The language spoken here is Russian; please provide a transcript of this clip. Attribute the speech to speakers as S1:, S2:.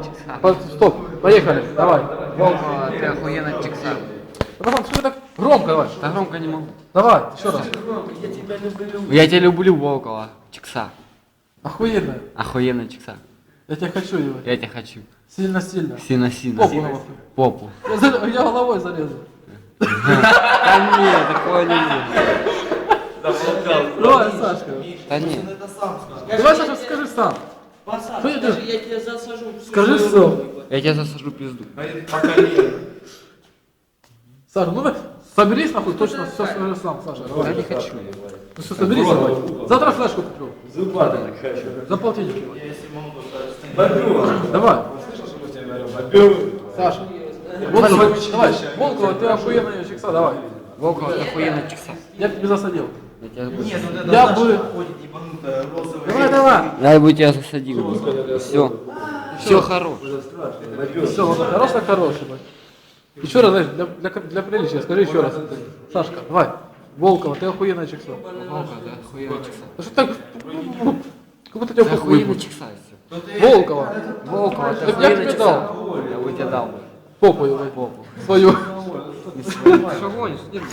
S1: Стоп, поехали, давай.
S2: Волкова, ты охуенно чикса.
S1: Братан, что ты так громко давай?
S2: Да громко не могу.
S1: Давай, еще раз.
S2: Я тебя люблю, Волкова. Чикса.
S1: Охуенно.
S2: Охуенно чикса.
S1: Я тебя хочу, его.
S2: Я тебя хочу.
S1: Сильно-сильно.
S2: Сильно-сильно.
S1: Попу головой.
S2: Попу.
S1: Я головой зарезал.
S2: Да нет, такое не будет.
S1: Давай, Сашка.
S2: Да нет.
S1: Давай, Саша, скажи сам.
S3: Пацан,
S1: Что я
S3: даже я тебя засажу.
S1: Скажи сам.
S2: Я тебя засажу пизду.
S1: Саша, ну соберись нахуй, точно все скажи сам, Саша.
S2: Я
S1: Давай.
S2: не хочу.
S1: Ну все, соберись давай. Завтра флешку куплю. За полтинник. Давай. Саша. Давай, Волкова, ты охуенная чикса, давай.
S2: Волкова, ты охуенно чикса.
S1: Я тебе засадил.
S2: Я тебя буду.
S1: Я бы... Давай.
S2: Я бы тебя засадил. Все. Все хорош.
S1: Все, вот хорош так хороший. блядь. Еще раз, знаешь, для приличия, скажи еще раз. Сашка, давай. Волкова, ты охуенная чикса.
S2: Волкова, ты охуенно чикса.
S1: Ну что так... Как будто тебя
S2: Ты
S1: похуй.
S2: охуенно чикса.
S1: Волкова.
S2: Волкова, ты
S1: Так я
S2: охуенно
S1: тебе
S2: чикса.
S1: дал.
S2: Я бы тебе дал.
S1: Попу его. Свою.
S2: Что гонишь?